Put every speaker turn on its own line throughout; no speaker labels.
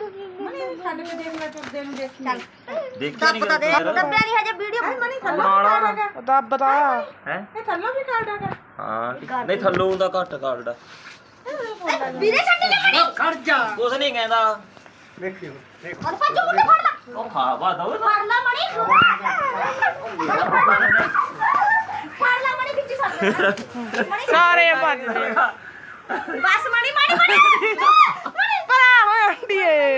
ਛੱਡ ਕੇ ਦੇਖ ਲੈ ਤੁਰਦੇ ਨੂੰ ਦੇਖੀ
ਚੱਲ
ਦੇਖਿਆ ਨਹੀਂ
ਦੱਬਦਾ ਦੇ ਦੱਬਿਆ ਨਹੀਂ ਹਜੇ ਵੀਡੀਓ
ਮਣੀ ਥੱਲੋਂ ਵੀ ਕਾਰਡ
ਦੱਬਦਾ
ਹੈ
ਇਹ ਥੱਲੋਂ ਵੀ ਕਾਰਡ ਹੈਗਾ
ਹਾਂ ਨਹੀਂ ਥੱਲੋਂ ਦਾ ਘੱਟ ਕਾਰਡ
ਵੀਰੇ ਛੱਡੀ ਨਾ ਮਣੀ
ਖੜ ਜਾ
ਕੁਛ ਨਹੀਂ ਕਹਿੰਦਾ
ਦੇਖਿਓ ਦੇਖ
ਹੁਣ ਭੱਜੋ ਮੁੰਡੇ ਫੜ ਲਾ
ਉਹ ਖਾ ਵਾ ਦੋ
ਫੜ ਲਾ ਮਣੀ ਫੜ ਲਾ ਮਣੀ ਵਿੱਚ ਸੱਟ ਮਣੀ
ਸਾਰੇ ਭੱਜਦੇ
ਬਸ ਮਣੀ ਮਣੀ ਮਣੀ
ਪਰਾ ਹੋਏ ਆਂਡੀਏ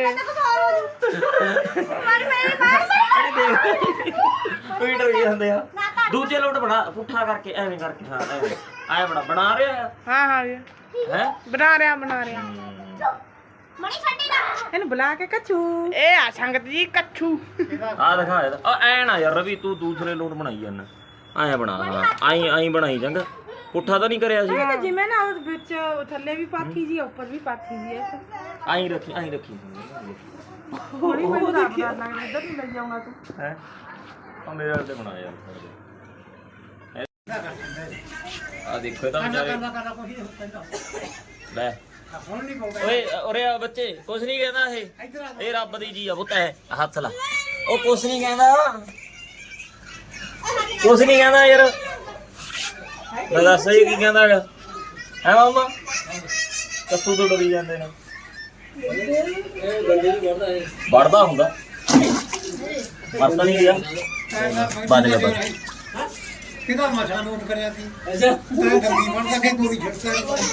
ਮਰ ਮੇਰੀ ਮਾਰ
ਕੋਈ ਡਰ ਗਏ ਹੁੰਦੇ ਆ ਦੂਜੇ ਲੋਟ ਬਣਾ ਪੁੱਠਾ ਕਰਕੇ ਐਵੇਂ ਕਰਕੇ ਹਾਂ ਐਵੇਂ ਆਇਆ ਬਣਾ ਰਿਹਾ
ਹਾਂ
ਹੈ
ਬਣਾ ਰਿਹਾ
ਮਣੀ ਛੱਡੀ ਨਾ
ਇਹਨੂੰ ਬੁਲਾ ਕੇ ਕੱਚੂ
ਇਹ ਆ ਸੰਗਤ ਜੀ ਕੱਛੂ
ਆ ਦਿਖਾ ਇਹਦਾ ਆ ਐ ਨਾ ਯਾਰ ਰਵੀ ਤੂੰ ਦੂਸਰੇ ਲੋਟ ਬਣਾਈ ਜਾਂਦਾ ਆਇਆ ਬਣਾ ਆਈ ਬਣਾਈ ਚੰਗਾ ਪੁੱਠਾ ਤਾਂ ਨਹੀਂ ਕਰਿਆ ਸੀ
ਇਹ ਤਾਂ ਜਿਵੇਂ ਨਾ ਉਹ ਵਿੱਚ ਥੱਲੇ ਵੀ ਪਾਥੀ ਜੀ ਉੱਪਰ ਵੀ ਪਾਥੀ ਜੀ ਹੈ
ਆਈ ਰੱਖੀ
ਹੌਲੀ ਹੌਲੀ ਲੱਗਦਾ ਲੱਗਦਾ ਇੱਧਰ ਨੂੰ ਲੈ ਜਾਊਂਗਾ ਤੂੰ
ਹੈ ਆ ਮੇਰੇ ਵਾਲੇ ਤੇ ਬਣਾ ਯਾਰ ਆ ਦੇਖੋ ਇਹ ਤਾਂ ਵਿਚਾਰੇ
ਕਰਦਾ ਕੋਈ ਕਹਿੰਦਾ
ਲੈ
ਹੁਣ ਨਹੀਂ ਪਾਉਂਦਾ
ਓਏ ਉਰੇ ਆ ਬੱਚੇ ਕੁਛ ਨਹੀਂ ਕਹਿੰਦਾ
ਇੱਧਰ ਆ
ਇਹ ਰੱਬ ਦੀ ਜੀ ਆ ਪੁੱਤ ਹੈ ਹੱਥ ਲਾ ਉਹ ਕੁਛ ਨਹੀਂ ਕਹਿੰਦਾ ਯਾਰ ਮੈਂ ਦੱਸ ਸਹੀ ਕੀ ਕਹਿੰਦਾ ਹੈਗਾ ਹੈ ਮਾਮਾ ਕੱਸੂ ਤੋਂ ਡਰੀ ਜਾਂਦੇ ਨੇ ਵੜਦਾ ਹੁੰਦਾ ਵੜਦਾ ਨਹੀਂ ਗਿਆ ਬੰਦ ਕਰ ਬੰਦ
ਕਿਹਦਾ ਮਸਾ ਨੋਟ ਕਰਿਆ ਸੀ ਅੱਛਾ ਮੈਂ ਗੰਦੀ ਬਣਦਾ ਕਿ ਪੂਰੀ ਛੱਡਦਾ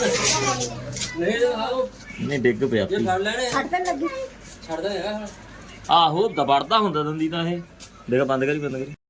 ਨਹੀਂ ਡਿੱਗ ਪਿਆ
ਛੱਡਣ ਲੱਗੀ
ਆਹੋ ਦਬੜਦਾ ਹੁੰਦਾ ਦੰਦੀ ਤਾਂ ਇਹ ਦੇਖ ਬੰਦ ਕਰੀ